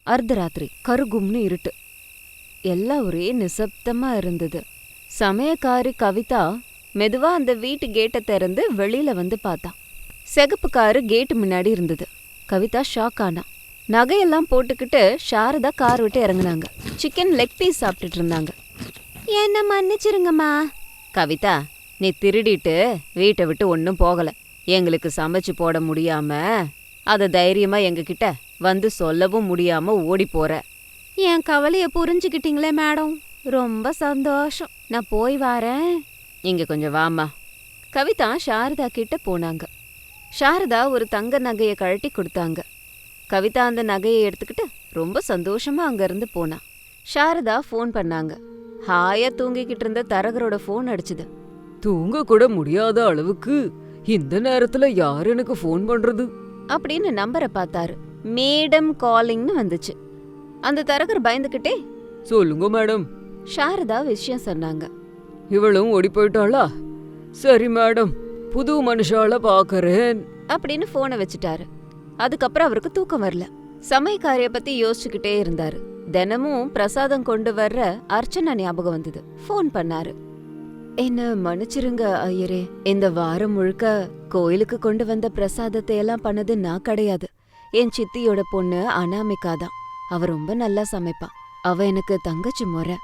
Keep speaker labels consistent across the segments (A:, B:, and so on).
A: அர்த்தராத்திரி, கருகும்னு இருட்டு. எல்லாம் ஒரே நிசப்தமா இருந்தது. சமயக்காரி கவிதா மெதுவா அந்த வீட்டு கேட்டை திறந்து வெளியில வந்து பார்த்தா. சிகப்பு காரு கேட்டு முன்னாடி இருந்தது. கவிதா ஷாக் ஆனா. நகையெல்லாம் போட்டுக்கிட்டு சாரதா கார் விட்டு இறங்குனாங்க. சிக்கன் லெக் பீஸ் சாப்பிட்டுட்டு இருந்தாங்க. என்ன மன்னிச்சிருங்கம்மா. கவிதா, நீ திருடிட்டு வீட்டை விட்டு ஒன்னும் போகல. எங்களுக்கு சமைச்சு போட முடியாம அத தைரியமா எங்ககிட்ட வந்து சொல்லவும் முடியாம ஓடி போற. என் கவலைய புரிஞ்சுக்கிட்டீங்களே மேடம், ரொம்ப சந்தோஷம். நான் போய் வாரேன். இங்க கொஞ்சம் வாமா. கவிதா சாரதா கிட்ட போனாங்க. சாரதா ஒரு தங்க நகையை கழட்டி கொடுத்தாங்க. கவிதா அந்த நகையை எடுத்துக்கிட்டு ரொம்ப சந்தோஷமா அங்கிருந்து போனா. சாரதா ஃபோன் பண்ணாங்க. ஹாயா தூங்கிக்கிட்டு இருந்த தரகரோட ஃபோன் அடிச்சுது.
B: தூங்க கூட முடியாத அளவுக்கு இந்த நேரத்துல யார் எனக்கு ஃபோன் பண்றது
A: அப்படின்னு நம்பரை பார்த்தாரு. மேடம் காலிங்னு வந்துச்சு. அந்த தரகர் பயந்துகிட்டே,
B: சொல்லுங்க மேடம்.
A: சாரதா விஷயம் சொன்னாங்க.
B: இவளும் ஓடி போயிட்டாளா? சரி மேடம், புது மனுஷால பாக்கறேன்
A: அப்படின்னு போனை வச்சுட்டாரு. அதுக்கப்புறம் அவருக்கு தூக்கம் வரல. சமயக்காரிய பத்தி யோசிச்சுக்கிட்டே இருந்தாரு. தினமும் பிரசாதம் கொண்டு வர்ற அர்ச்சனா ஞாபகம் வந்தது. ஃபோன் பண்ணாரு. என்ன மன்னிச்சிருங்க ஐயரே, இந்த வாரம் முழுக்க கோயிலுக்கு கொண்டு வந்த பிரசாதத்தை எல்லாம் பண்ணது நான் கிடையாது. என் சித்தியோட பொண்ணு அனாமிகா தான். அவ ரொம்ப நல்லா சமைப்பா. அவ எனக்கு தங்கச்சி முறை.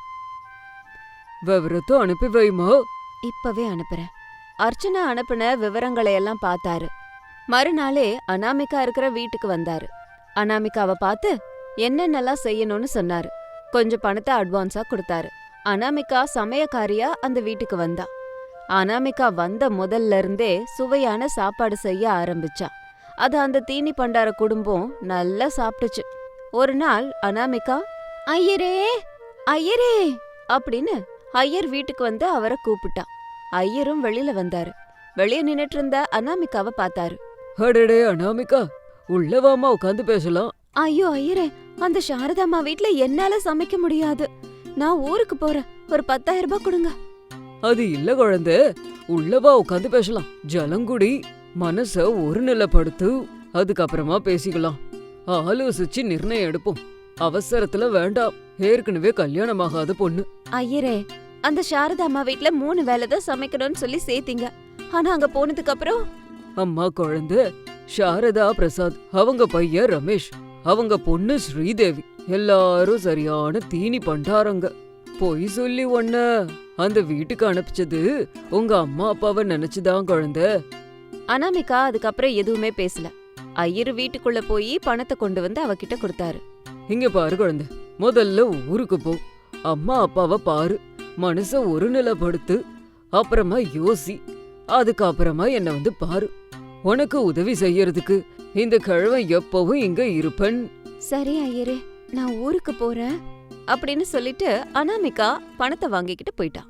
B: விவரத்தை அனுப்பி வைமா.
A: இப்பவே அனுப்புறேன். அர்ச்சனா அனுப்புன விவரங்களை எல்லாம் பார்த்தாரு. மறுநாளே அனாமிகா இருக்கிற வீட்டுக்கு வந்தாரு. அனாமிகாவை பார்த்து என்னென்னலாம் செய்யணும்னு சொன்னாரு. கொஞ்சம் பணத்தை அட்வான்ஸா கொடுத்தாரு. அனாமிகா சமயக்காரியா அந்த வீட்டுக்கு வந்தா. அனாமிகா வந்த முதல்ல இருந்தே சுவையான சாப்பாடு செய்ய ஆரம்பிச்சா. அது அந்த தீனி பண்டார குடும்பம் நல்லா சாப்பிட்டுச்சு. ஒரு நாள் அனாமிகா, ஐயரே ஐயரே அப்படின்னு ஐயர் வீட்டுக்கு வந்து அவரை கூப்பிட்டா. ஐயரும் வெளியில வந்தாரு. வெளியே நின்னுட்டு இருந்த அனாமிகாவை பார்த்தாரு.
B: அடடே அனாமிகா, உள்ளவாமா உட்காந்து பேசலாம்.
A: ஐயோ ஐயரே, அந்த சாரதாம்மா வீட்ல என்னால சமைக்க முடியாது. நான் ஊருக்கு போறேன். ஒரு 10,000 ரூபாய் கொடுங்க.
B: அது இல்ல குழந்தை, உள்ளவா உட்காந்து பேசலாம். ஜலங்குடி, மனச ஒரு நிலைப்படுத்து, அதுக்கப்புறமா பேசிக்கலாம். ஆலோசிச்சு நிர்ணயம் எடுப்போம். அவசரத்துல வேண்டாம். ஏற்கனவே கல்யாணமாகாத பொண்ணு.
A: ஐயரே, அந்த சாரதாம்மா வீட்ல 3 வேளை தான் சமைக்கணும்னு சொல்லி சேர்த்தீங்க. ஆனா அங்க போனதுக்கு அப்புறம்
B: அம்மா குழந்தை சாரதா பிரசாத், அவங்க பையன் ரமேஷ், அவங்க பொண்ணு ஸ்ரீதேவி, எல்லாரும் சரியான தீனி பண்டாரங்க. பொய் சொல்லி ஒன்ன அந்த வீட்டுக்கு அனுப்பிச்சது உங்க அம்மா அப்பாவை நினைச்சுதான் குழந்தை.
A: அனாமிகா அதுக்கப்புறம் எதுவுமே பேசல. ஐயரு வீட்டுக்குள்ள போய் பணத்தை கொண்டு வந்து அவகிட்ட கொடுத்தாரு.
B: இங்க பாரு குழந்தை, முதல்ல ஊருக்கு போ. அம்மா அப்பாவை பாரு, மனச ஒரு நிலைப்படுத்து, அப்புறமா யோசி, அதுக்கப்புறமா என்ன வந்து பாரு. உனக்கு உதவி செய்யறதுக்கு இந்த கிழவன் எப்பவும் இங்க இருப்பன்.
A: சரி ஐயரே, நான் ஊருக்கு போறேன் அப்படின்னு சொல்லிட்டு அனாமிகா பணத்தை வாங்கிக்கிட்டு போயிட்டா.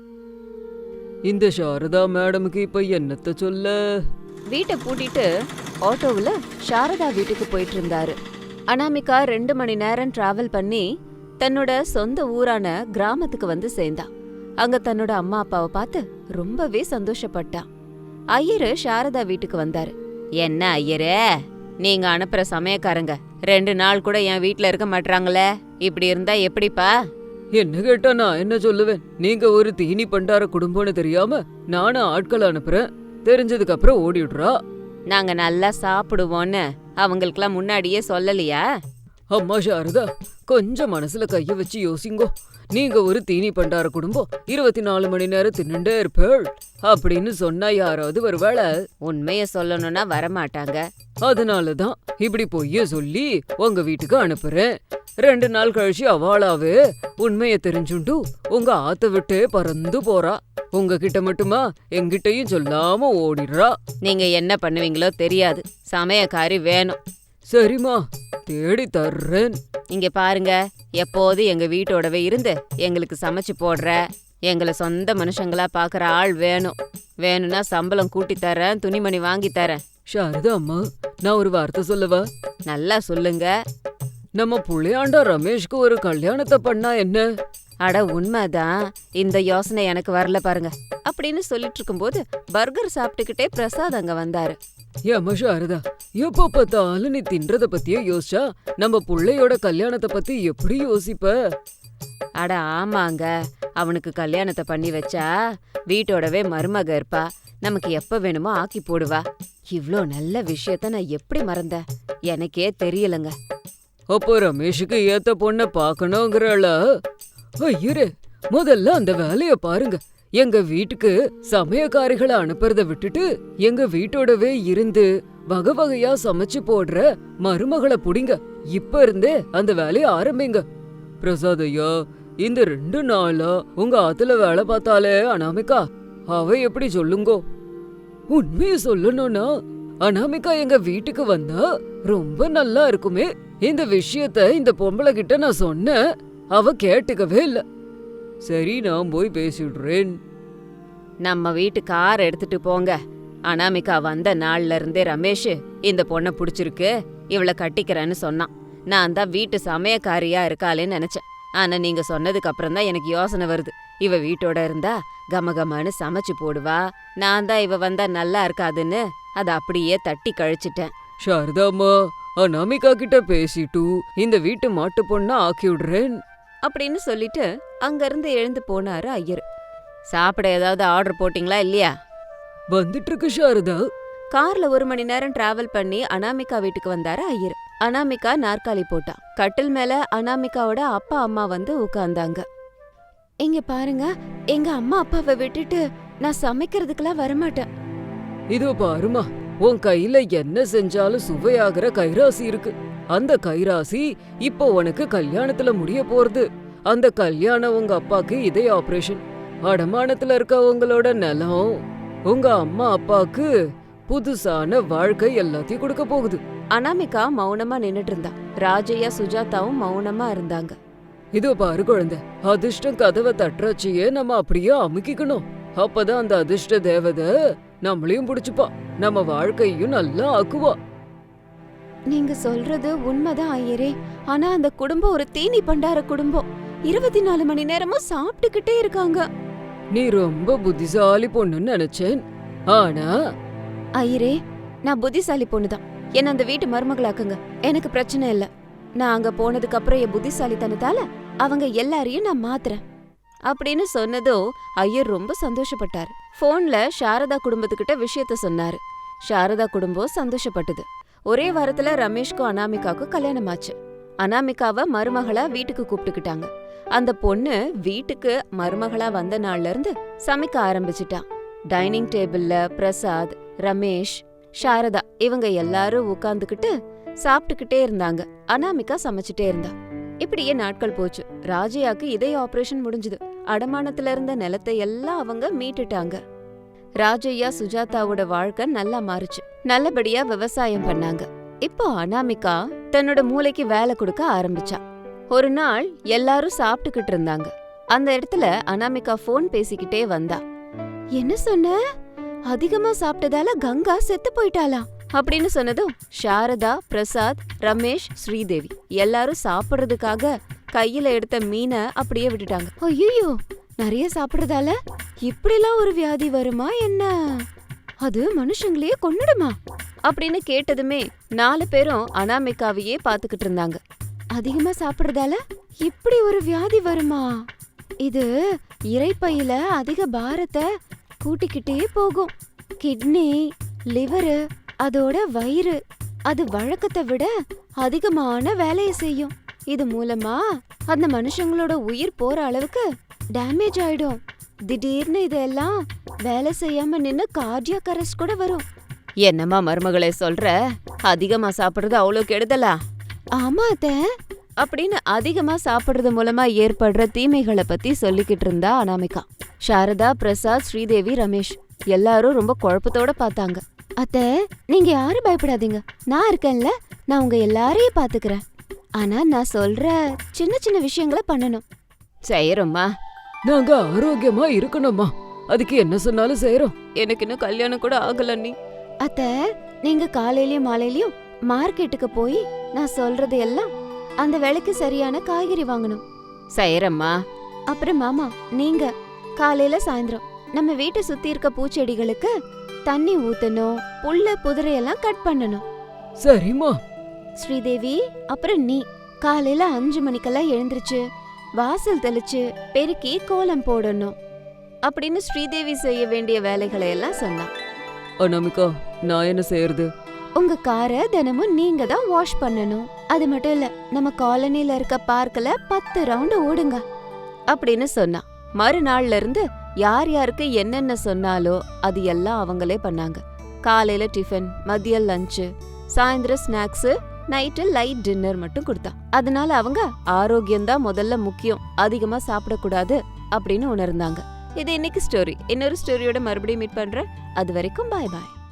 B: இந்த சாரதா மேடமுக்கு இப்ப என்னத்த சொல்ல?
A: வீட்டை பூட்டிட்டு ஆட்டோவுல சாரதா வீட்டுக்கு போயிட்டு இருந்தாரு. அனாமிகா 2 மணி நேரம் டிராவல் பண்ணி தன்னோட சொந்த ஊரான கிராமத்துக்கு வந்து சேர்ந்தா. அங்க தன்னோட அம்மா அப்பாவை பார்த்து ரொம்பவே சந்தோஷப்பட்டா. ஐயரு சாரதா வீட்டுக்கு வந்தாரு. என்ன ஐயரே, நீங்க அனுப்புற சமயக்காரங்க 2 நாள் கூட என் வீட்டுல இருக்க மாட்டாங்களே, இப்படி இருந்தா எப்படிப்பா?
B: என்ன கேட்டா நான் என்ன சொல்லுவேன்? நீங்க ஒரு தீனி பண்டார குடும்பம்னு தெரியாம நானும் ஆட்கள் அனுப்புறேன். தெரிஞ்சதுக்கு அப்புறம் ஓடிடுறா.
A: நாங்க நல்லா சாப்பிடுவோன்னு அவங்களுக்கெல்லாம் முன்னாடியே சொல்லலையா?
B: அம்மா சாரதா, கொஞ்சம் மனசுல கைய வச்சு யோசிங்கோ. நீங்க ஒரு தீனி பண்டார குடும்பம், 24 மணி நேரம் தின்னுண்டே இருப்பேள் அப்படின்னு சொன்னா யாராவது வருவாள?
A: உண்மைய சொல்லணும்னா வரமாட்டாங்க.
B: அதனாலதான் இப்படி பொய்ய சொல்லி உங்க வீட்டுக்கு அனுப்புறேன். 2 நாள் கழிச்சு அவளாவே உண்மைய தெரிஞ்சுண்டு உங்க ஆத்த விட்டே பறந்து போறா. உங்ககிட்ட மட்டுமா, எங்கிட்டயும் சொல்லாம ஓடிடுறா.
A: நீங்க என்ன பண்ணுவீங்களோ தெரியாது. சமயக்காரி வேணும்.
B: சரிம்மா, தேடி தர்றேன்.
A: இங்க பாருங்க, எப்போது எங்க வீட்டோடவே இருந்து எங்களுக்கு சமைச்சு போடுற, எங்களை சொந்த மனுஷங்களா பாக்குற ஆள் வேணும். வேணும்னா சம்பளம் கூட்டி தரேன், துணிமணி வாங்கி தரேன்.
B: சாரதா அம்மா, நான் ஒரு வார்த்தை சொல்லவா?
A: நல்லா சொல்லுங்க.
B: நம்ம புள்ளையாண்டா ரமேஷ்க்கு ஒரு கல்யாணத்தை பண்ணா என்ன?
A: அட உண்மைதான், இந்த யோசனை எனக்கு வரல பாருங்க அப்படின்னு சொல்லிட்டு இருக்கும்போது பர்கர் சாப்பிட்டுக்கிட்டே பிரசாத் அங்க வந்தாரு.
B: ஏம்மா சாரதா, எப்ப பார்த்தாலும் நீ தின்றத பத்தியே யோசிச்சா நம்ம புள்ளையோட கல்யாணத்தை பத்தி எப்படி யோசிப்ப?
A: அட ஆமாங்க, அவனுக்கு கல்யாணத்தை பண்ணி வச்சா வீட்டோடவே மருமக இருப்பா, நமக்கு எப்ப வேணுமோ ஆக்கி போடுவா. இவ்ளோ நல்ல விஷயத்த நான் எப்படி மறந்தேன், எனக்கே தெரியலங்க.
B: அப்போ ரமேஷுக்கு ஏத்த பொண்ண பாக்கணுங்கிறாள? ஐயரே, முதல்ல அந்த வேலைய பாருங்க. எங்க வீட்டுக்கு சமயக்காரிகளை அனுப்புறத விட்டுட்டு எங்க வீட்டோடவே இருந்து வகை வகையா சமைச்சு போடுற மருமகளை புடிங்க. இப்ப இருந்தே அந்த வேலைய ஆரம்பிங்க. பிரசாத் ஐயா, இந்த 2 நாளா உங்க ஆத்துல வேலை பார்த்தாலே அனாமிகா, அவ எப்படி சொல்லுங்கோ? உண்மைய சொல்லணும்னா அனாமிகா எங்க வீட்டுக்கு வந்தா ரொம்ப நல்லா இருக்குமே. இந்த விஷயத்த இந்த பொம்பளை கிட்ட நான் சொன்னேன், அவ கேட்டுக்கவே இல்ல. சரி, நான் போய் பேசிடுறேன்.
A: நம்ம வீட்டு கார் எடுத்துட்டு போங்க. அனாமிகா வந்த நாள்ல இருந்தே ரமேஷ் இந்த பொண்ணை பிடிச்சிருக்கு, இவளை கட்டிக்கிறேன்னு சொன்னான். நான் தான் வீட்டு சமயக்காரியா இருக்காளேன்னு நினைச்சேன். ஆனா நீங்க சொன்னதுக்கு அப்புறம் தான் எனக்கு யோசனை வருது. இவ வீட்டோட இருந்தா கமகமான்னு சமைச்சு போடுவா, நான் தான் இவ வந்தா நல்லா இருக்காதுன்னு அதை அப்படியே தட்டி கழிச்சிட்டேன்.
B: சாரதாம்மா, அனாமிகா கிட்ட பேசிட்டு இந்த வீட்டு மாட்டு பொண்ணா ஆக்கி விடுறேன்
A: அப்படின்னு சொல்லிட்டு அங்கிருந்து எழுந்து போனாரு ஐயர். சாப்பிட ஏதாவது ஆர்டர் போட்டிங்களா இல்லையா?
B: வந்துட்டு இருக்கு சாரதா.
A: கார்ல 1 மணி நேரம் டிராவல் பண்ணி அனாமிகா வீட்டுக்கு வந்தாரு ஐயர். அனாமிகா நாற்காலி போட்டா. கட்டில் மேல அனாமிகாவோட அப்பா அம்மா வந்து உட்கார்ந்தாங்க. இங்க பாருங்க, எங்க அம்மா அப்பாவை விட்டுட்டு நான் சமைக்கிறதுக்கெல்லாம் வரமாட்டேன்.
B: இதோ பாருமா, உன் கையில என்ன செஞ்சாலும் சுவையாகிற கைராசி இருக்கு. அந்த கைராசி இப்போ உனக்கு கல்யாணத்துல முடிய போறது. அந்த கல்யாணம் உங்க அப்பாக்கு இதய ஆபரேஷன். அடமானத்துல இருக்க உங்களோட நிலம் உங்க அம்மா அப்பாக்கு புதுசான வாழ்க்கை எல்லாத்தையும் கொடுக்க போகுது.
A: அனாமிகா மௌனமா நின்னுட்டு இருந்தா. ராஜையா சுஜாதாவும் மௌனமா இருந்தாங்க.
B: இதோ பாரு குழந்தை, அதிர்ஷ்டம் கதவை தட்டுறச்சியே நம்ம அப்படியே அமுக்கிக்கணும். அப்பதான் அந்த அதிர்ஷ்ட தேவதை நம்மளையும் பிடிச்சுப்பா, நம்ம வாழ்க்கையும் நல்லா ஆக்குவா.
A: நீங்க சொல்றது உண்மைதான் ஐயரே. ஆனா அந்த குடும்பம் ஒரு தீனி பண்டார குடும்பம். 24 மணி நேரமும் சாப்பிட்டுக்கிட்டே இருக்காங்க.
B: நீ ரொம்ப புத்திசாலி பொண்ணுன்னு நினைச்சேன். ஆனா
A: ஐயரே, நான் புத்திசாலி பொண்ணுதான். என்ன அந்த வீட்டு மருமகளாக்குங்க, எனக்கு பிரச்சனை இல்ல. நான் அங்க போனதுக்கு அப்புறம் என் புத்திசாலித்தனத்தால அவங்க எல்லாரையும் நான் மாத்துறேன் அப்படின்னு சொன்னதோ ஐயர் ரொம்ப சந்தோஷப்பட்டாரு. போன்ல சாரதா குடும்பத்துக்கிட்ட விஷயத்த சொன்னாரு. சாரதா குடும்பம் சந்தோஷப்பட்டது. ஒரே வாரத்துல ரமேஷ்க்கும் அனாமிகாவுக்கும் கல்யாணம் ஆச்சு. அனாமிகாவை மருமகளா வீட்டுக்கு கூப்பிட்டுக்கிட்டாங்க. அந்த பொண்ணு வீட்டுக்கு மருமகளா வந்த நாள்ல இருந்து சமைக்க ஆரம்பிச்சிட்டா. டைனிங் டேபிள்ல பிரசாத், ரமேஷ், சாரதா இவங்க எல்லாரும் உட்கார்ந்துகிட்டு சாப்பிட்டுக்கிட்டே இருந்தாங்க. அனாமிகா சமைச்சிட்டே இருந்தா. இப்படியே நாட்கள் போச்சு. ராஜையாக்கு இதய ஆபரேஷன் முடிஞ்சது. அடமானத்துல இருந்த நிலத்தை எல்லாம் அவங்க மீட்டுட்டாங்க. ராஜையா சுஜாதாவோட வாழ்க்கை நல்லா மாறுச்சு. நல்லபடியா விவசாயம் பண்ணாங்க. இப்போ அனாமிகா தன்னோட மூளைக்கு வேலை கொடுக்க ஆரம்பிச்சா. ஒரு நாள் எல்லாரும் சாப்பிட்டுக்கிட்டு இருந்தாங்க. அந்த இடத்துல அனாமிகா போன் பேசிக்கிட்டே வந்தா. என்ன சொன்ன? அதிகமா சாப்பிட்டதால கங்கா செத்து போயிட்டாளா அப்படின்னு சொன்னதும் சாரதா, பிரசாத், ரமேஷ், ஸ்ரீதேவி எல்லாரும் சாப்பிடுறதுக்காக கையில எடுத்த மீனை அப்படியே விட்டுட்டாங்க. ஐயோ, நிறைய சாப்பிடுறதால இப்படிலாம் ஒரு வியாதி வருமா என்ன? அது மனுஷங்களையே கொன்னுடுமா அப்படின்னு கேட்டதுமே 4 பேரும் அனாமிகாவையே பாத்துக்கிட்டு இருந்தாங்க. அதிகமா சாப்பிடுறதால இப்படி ஒரு வியாதி வருமா? இது இரைப்பையில அதிக பாரத்தை கூட்டிக்கிட்டே போகும். கிட்னி, லிவரு, அதோட வயிறு அது வழக்கத்தை விட அதிகமான வேலையை செய்யும். இது மூலமா அந்த மனுஷங்களோட உயிர் போற அளவுக்கு டேமேஜ் ஆயிடும். திடீர்னு இதெல்லாம் வேலை செய்யாம நின்னு கார்டியாக் அரெஸ்ட் கூட வரும். என்னம்மா மருமகளே சொல்ற? அதிகமா சாப்பிடுறது அவ்வளோ கெடுதலா? ஆமா அத்தை அப்படின்னு அதிகமா சாப்பிடுறது மூலமா ஏற்படுற தீமைகளை பத்தி சொல்லிக்கிட்டு இருந்தா அனாமிகா. சாரதா, பிரசாத், ஸ்ரீதேவி, ரமேஷ் எல்லாரும் ரொம்ப குழப்பத்தோட பார்த்தாங்க. அத்தை, நீங்க யாரும் பயப்படாதீங்க, நான் இருக்கேன்ல, நான் உங்க எல்லாரையும் பாத்துக்கிறேன். ஆனா நான் சொல்ற சின்ன சின்ன விஷயங்களை பண்ணணும். செய்யறோம்மா.
B: நாங்க ஆரோக்கியமா இருக்கணுமா, அதுக்கு என்ன சொன்னாலும் செய்யறோம்.
A: எனக்கு இன்னும் கல்யாணம் கூட ஆகல நீ. அத்தை, நீங்க காலையிலயும் மாலையிலயும் மார்க்கெட்டுக்கு போய் நான் சொல்றது எல்லாம் அந்த வேலைக்கு சரியான காய்கறி வாங்கணும். செய்யறம்மா. அப்புறம் மாமா, நீங்க காலையில சாயந்தரம் நம்ம வீட்டை சுத்தி இருக்க பூச்செடிகளுக்கு தண்ணி ஊத்தணும், புல்ல புதிரையெல்லாம் கட் பண்ணணும்.
B: சரிம்மா.
A: ஸ்ரீதேவி, அப்புறம் நீ காலையில 5 மணிக்கெல்லாம் எழுந்திருச்சு வாசல் தெளிச்சு பெருக்கி கோலம் போடணும் அப்படின்னு ஸ்ரீதேவி செய்ய வேண்டிய வேலைகளை எல்லாம் சொன்னா.
B: அனாமிகா, நான் என்ன செய்யறது?
A: உங்க காரை தினமும் நீங்க தான் வாஷ் பண்ணணும். அது மட்டும் இல்ல, நம்ம காலனில இருக்க பார்க்ல 10 ரவுண்ட் ஓடுங்க அப்படின்னு சொன்னா. மறுநாள்ல இருந்து யார் யாருக்கு என்னென்ன சொன்னாலோ அது எல்லாம் அவங்களே பண்ணாங்க. காலையில டிஃபன், மதியம் லஞ்சு, சாயந்தரம் ஸ்நாக்ஸ், நைட்டு லைட் டின்னர் மட்டும் கொடுத்தா. அதனால அவங்க ஆரோக்கியம்தான் முதல்ல முக்கியம், அதிகமா சாப்பிடக்கூடாது அப்படின்னு உணர்ந்தாங்க. இது இன்னைக்கு ஸ்டோரி. இன்னொரு ஸ்டோரியோட மறுபடியும் மீட் பண்றேன். அது வரைக்கும் பாய் பாய்.